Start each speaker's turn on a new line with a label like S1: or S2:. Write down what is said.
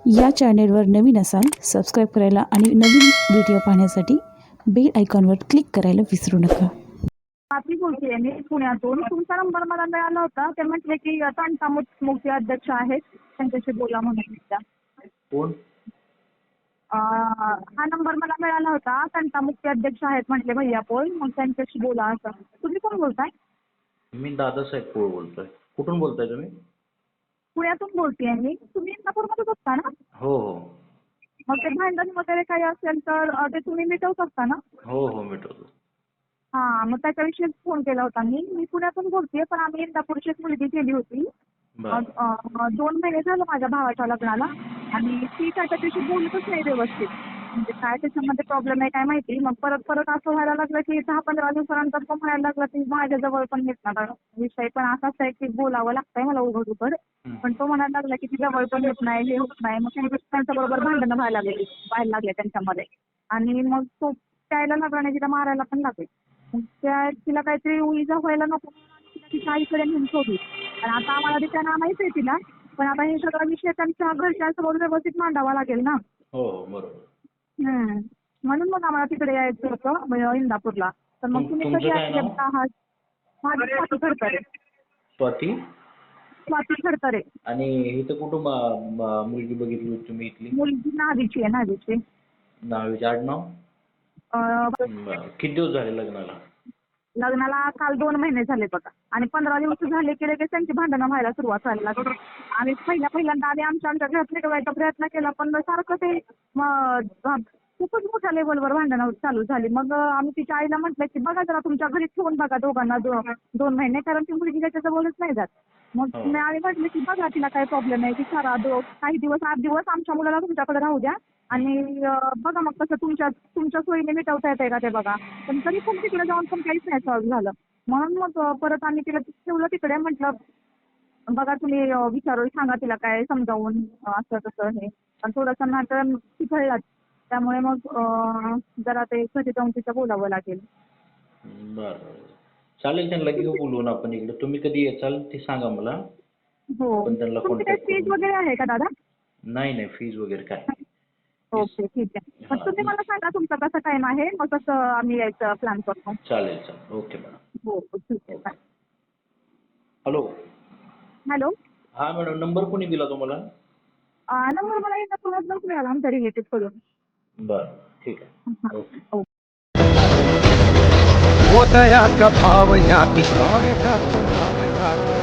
S1: या चॅनेलवर नवीन असाल सबस्क्राईब करायला आणि नवीन व्हिडिओ पाहण्यासाठी बेल आयकॉनवर क्लिक करायला विसरू नका.
S2: मी बोलते मी पुण्यातून. तुमचा नंबर मला मिळाला होता. ते म्हटले की तांता मुख्य अध्यक्ष आहेत, त्यांच्याशी बोला म्हणून.
S3: कोण?
S2: हा नंबर मला मिळाला होता. तांता मुख्य अध्यक्ष आहेत म्हटले भैया पोल, मग त्यांच्याशी बोला असं. तुम्ही कोण बोलताय?
S3: मी दादासाहेब पोळ बोलतोय. कुठून बोलताय तुम्ही?
S2: पुण्यातून बोलतेय मी. तुम्ही इंदापूरमध्येच असता ना?
S3: हो हो
S2: मग ते भांडण वगैरे काही असेल तर ते तुम्ही मिटवत असता ना?
S3: हो मिटवतो.
S2: हां, मग त्याच्याविषयीच फोन केला होता मी. मी पुण्यातून बोलतेय, पण आम्ही इंदापूरची एक मुलगी केली होती.
S3: बरं
S2: 2 महिने झालं माझ्या भावाच्या लग्नाला, आणि ती त्याच्याशी बोलतच नाही व्यवस्थित. म्हणजे काय त्याच्यामध्ये प्रॉब्लेम आहे काय माहिती. मग परत असं व्हायला लागलं की 10-15 दिवसानंतर तो म्हणायला लागला की माझ्याजवळ पण येत नाही. विषय पण असाच आहे की बोलावं लागतंय मला उघड. पण तो म्हणायला लागला की ती जवळ पण येत नाही, हे होत नाही. मग त्यांच्याबरोबर भांडणं व्हायला लागले त्यांच्यामध्ये. आणि मग तो प्यायला लागला आणि तिला मारायला पण लागले. मग तिला काहीतरी इजा व्हायला नको म्हणून तिला तिच्या आईकडे नेऊन सोडली. पण आता आम्हाला तिच्या नामाहीच आहे तिला. पण आता हे सगळा विषय त्यांच्या घरच्यांसमोर व्यवस्थित मांडावा लागेल ना.
S3: हो बरोबर.
S2: म्हणून मग आम्हाला तिकडे यायचं होतं इंदापूरला. तर मग तुम्ही
S3: तुमचं
S2: कधी
S3: काय नाव?
S2: आहात? माझी स्वाती खडतरे.
S3: स्वाती?
S2: स्वाती खडतरे.
S3: आणि इथं कुठं मुलगी बघितली होती तुम्ही इथली?
S2: मुलगी नावीची आहे, नावीची.
S3: नावीचे आडनाव? बरं. किती दिवस झाले लग्नाला?
S2: लग्नाला काल 2 महिने झाले बघा. आणि 15 दिवस झाले की लगेच त्यांची भांडणं व्हायला सुरुवात व्हायला लागली. आम्ही पहिल्यांदा आमच्या घरात मिटवायचा प्रयत्न केला, पण सारखं ते खूपच मोठ्या लेवलवर भांडणं चालू झाली. मग आम्ही तिच्या आईला म्हटलं की बघा जरा तुमच्या घरी ठेवून बघा दोघांना 2 महिने, कारण ती मुलगी त्याच्याजवळच नाही जात. मग आम्ही म्हटलं की बघा तिला काय प्रॉब्लेम आहे, की काही दिवस 8 दिवस आमच्या मुलाला तुमच्याकडे राहू द्या, आणि बघा मग कसं तुमच्या सोयीने मिटवता येते का ते बघा. पण तरी पण तिकडे जाऊन पण काहीच नाही सॉल्व्ह झालं. म्हणून मग परत आम्ही तिला ठेवलं तिकडे. म्हटलं बघा तुम्ही विचारून सांगा तिला काय समजावून असं तसं हे. पण थोडंसं नाटक चिघळलं, त्यामुळे मग जरा ते घरी जाऊन तिचं बोलावं लागेल.
S3: बरं चालेल, त्यांना घेऊ बोलवून आपण इकडे. तुम्ही कधी येचाल ते सांगा मला.
S2: हो,
S3: पण त्यांना
S2: तुमची काही
S3: कॉन्टॅक्ट
S2: फीज
S3: करून.
S2: वगैरे आहे का दादा?
S3: नाही फीज वगैरे काय नाही.
S2: ओके, ठीक आहे. मग तुम्ही मला सांगा तुमचा कसा टाइम आहे, मग तसं आम्ही यायचं प्लॅन करतो.
S3: चालेल ओके मॅडम.
S2: हो ठीक आहे, बाय.
S3: हॅलो.
S2: हॅलो.
S3: हा मॅडम, नंबर कोणी दिला तुम्हाला?
S2: नंबर मला एकदा पुण्यातूनच मिळाला आमच्या रिलेटिव्ह कडून.
S3: बरं ठीक आहे. ओके.
S2: ओके.
S4: वो दया का भाव या किसान का तो नाम यार